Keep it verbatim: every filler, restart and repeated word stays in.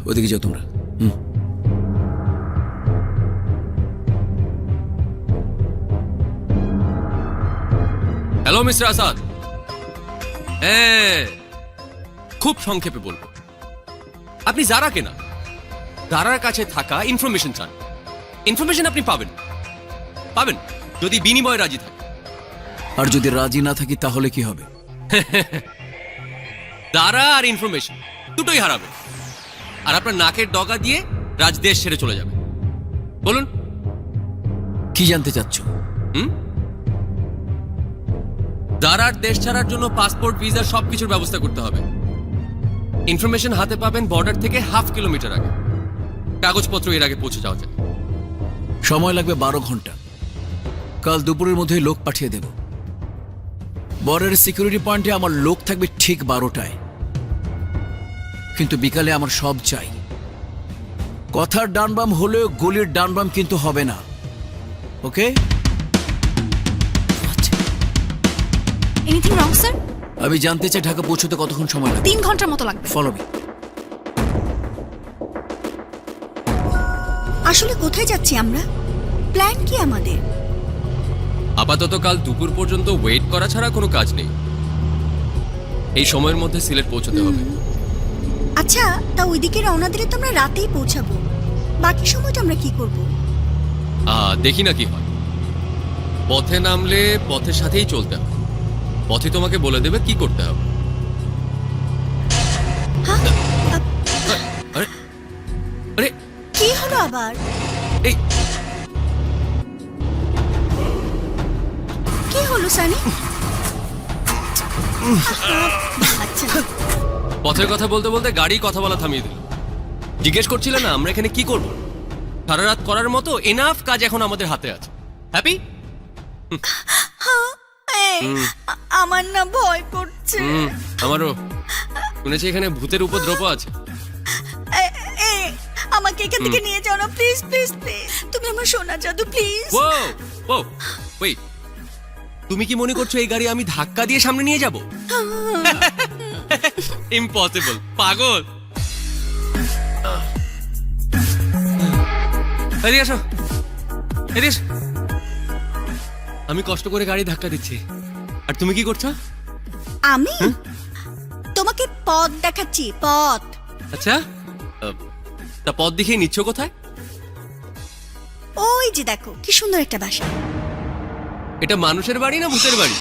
ওদিকে যাও তোমরা। হুম। হ্যালো মিস্টার আসাদ, হ্যাঁ খুব সংক্ষেপে বলবো, আপনি যারা কেনা যারার কাছে থাকা ইনফরমেশন চান, ইনফরমেশন আপনি পাবেন পাবেন যদি বিনিময়ে রাজি থাকে। আর যদি রাজি না থাকি তাহলে কি হবে? যারা আর ইনফরমেশন দুটোই হারাবে, আর আপনার নাকের ডগা দিয়ে রাজ দেশ ছেড়ে চলে যাবে। বলুন কি জানতে চাচ্ছ? হুম দারার দেশ ছাড়ার জন্য পাসপোর্ট, ভিসা সবকিছুর ব্যবস্থা করতে হবে। ইনফরমেশন হাতে পাবেন বর্ডার থেকে হাফ কিলোমিটার আগে। কাগজপত্র এর আগে পৌঁছে যাওয়া যায়। সময় লাগবে বারো ঘন্টা। কাল দুপুরের মধ্যে লোক পাঠিয়ে দেব। বর্ডারের সিকিউরিটি পয়েন্টে আমার লোক থাকবে ঠিক বারোটায়, কিন্তু বিকালে আমার সব চাই। কথার ডানবাম হলেও গলির ডানবাম কিন্তু হবে না, ওকে? Anything wrong sir? আমি জানতে চাই ঢাকা পৌঁছতে কতক্ষণ সময় লাগবে? তিন ঘন্টার মতো লাগবে। Follow me. আসলে কোথায় যাচ্ছি আমরা? প্ল্যান কি আমাদের? আপাতত কাল দুপুর পর্যন্ত ওয়েট করা ছাড়া কোনো কাজ নেই। এই সময়ের মধ্যে সিলেট পৌঁছতে হবে। আচ্ছা, তা ওইদিকে রওনা দিলে তো আমরা রাতেই পৌঁছাবো। বাকি সময়টা আমরা কি করব? আহ, দেখি না কি হয়। পথে নামলে পথের সাথেই চলতে হবে। পথে তোমাকে বলে দেবে কি করতে হবে। হ্যাঁ? আরে আরে কি হলো আবার? এই কি হলো সানি? আচ্ছা, পথের কথা বলতে বলতে গাড়ি কথা বলা থামিয়ে দিল। জিজ্ঞেস করছিলে না আমরা এখানে কি করব? সারা রাত করার মতো এনাফ কাজ এখন আমাদের হাতে আছে। হ্যাপি? এই, আ- আমার না ভয় করছে। হুম আমারও। শুনেছি এখানে ভূতের উপদ্রব আছে। এ- এ, আমাকে এখান থেকে নিয়ে যাও না, প্লিজ প্লিজ প্লিজ। তুমি আমার সোনা জাদু, প্লিজ। ও ও ওয়েট, তুমি কি মনে করছো এই গাড়ি আমি ধাক্কা দিয়ে সামনে নিয়ে যাব? ইম্পসিবল, পাগল। এদিকে আসো, এদিকে এসো। আমি কষ্ট করে গাড়ি ধাক্কা দিচ্ছি আর তুমি কি করছো? আমি তোমাকে পথ দেখাচ্ছি, পথ। আচ্ছা, আহ, তা পথ দেখিয়ে নিচ্ছ কোথায়? ওই যে দেখো কি সুন্দর একটা বাসা। এটা মানুষের বাড়ি না ভূতের বাড়ি?